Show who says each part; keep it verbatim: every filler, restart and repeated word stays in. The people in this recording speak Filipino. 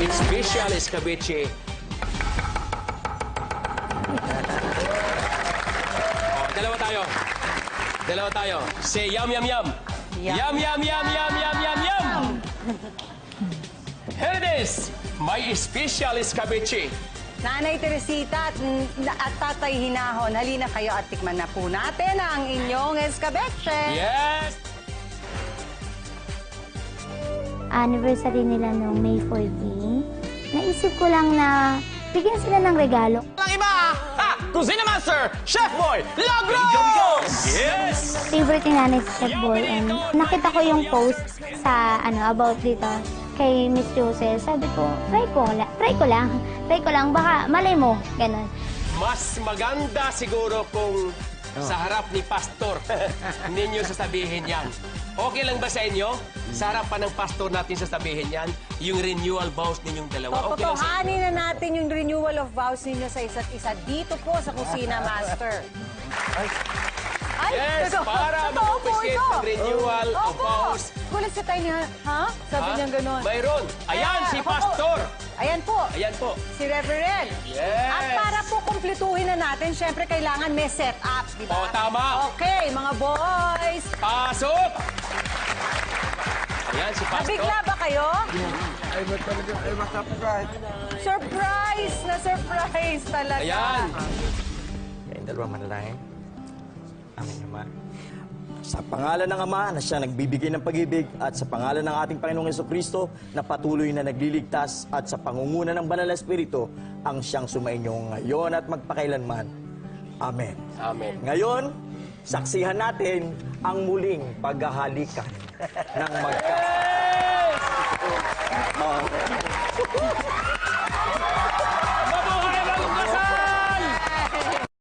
Speaker 1: special escabeche. Oh, dalawa tayo. Dalawa tayo. Say yum, yum, yum. Yum, yum, yum, yum, yum, yum, yum. Here it is. My special escabeche.
Speaker 2: Nanay Teresita at, at Tatay Hinahon, halina kayo at tikman na po natin ang inyong escabeche.
Speaker 1: Yes!
Speaker 3: Anniversary nila noong May fourteen. Naisip ko lang na bigyan sila ng regalo.
Speaker 4: Ang iba, ha! Kusina Master, Chef Boy, Lagros!
Speaker 1: Yes!
Speaker 3: Favorite ni nanay si Chef Boy, and nakita ko yung post sa ano about dito kay Miss Jose. Sabi ko, try ko, la- try ko lang. Try ko lang, baka malay mo. Ganon.
Speaker 1: Mas maganda siguro kung sa harap ni Pastor ninyo sasabihin yan. Okay lang ba sa inyo? Sa harap pa ng Pastor natin sasabihin yan, yung renewal vows ninyong dalawa. Okay lang sa inyo?
Speaker 2: Totohanin na natin yung renewal of vows ninyo sa isa't isa dito po sa Kusina Master. Ay,
Speaker 1: Yes,
Speaker 2: totoo-
Speaker 1: para
Speaker 2: totoo po
Speaker 1: mag-officiate
Speaker 2: ito.
Speaker 1: ng renewal of
Speaker 2: Opo.
Speaker 1: vows.
Speaker 2: Gulat si Tay niya, ha? Sabi
Speaker 1: Ha?
Speaker 2: niya gano'n.
Speaker 1: Mayroon. Ayan,
Speaker 2: Eh,
Speaker 1: si
Speaker 2: ako po.
Speaker 1: Pastor.
Speaker 2: Ayan po,
Speaker 1: Ayan po.
Speaker 2: si Reverend.
Speaker 1: Yes.
Speaker 2: At para po kumpletuhin na natin, syempre kailangan may set up, di ba?
Speaker 1: O, tama.
Speaker 2: Okay, mga boys.
Speaker 1: Pasok! Ayan, si Pastor.
Speaker 2: Nabigla ba kayo?
Speaker 5: Ay, ba't talaga? Ay, makapagkahit.
Speaker 2: Surprise na surprise talaga.
Speaker 1: Ayan.
Speaker 5: Kayong dalawa manalangin. Aming Ama. Sa pangalan ng Ama na siya nagbibigay ng pag-ibig at sa pangalan ng ating Panginoong Jesucristo na patuloy na nagliligtas at sa pangunguna ng Banal na Espiritu ang siyang sumainyo ngayon at magpakailanman. Amen.
Speaker 1: Amen.
Speaker 5: Ngayon, saksihan natin ang muling paghahalikan ng magkasama.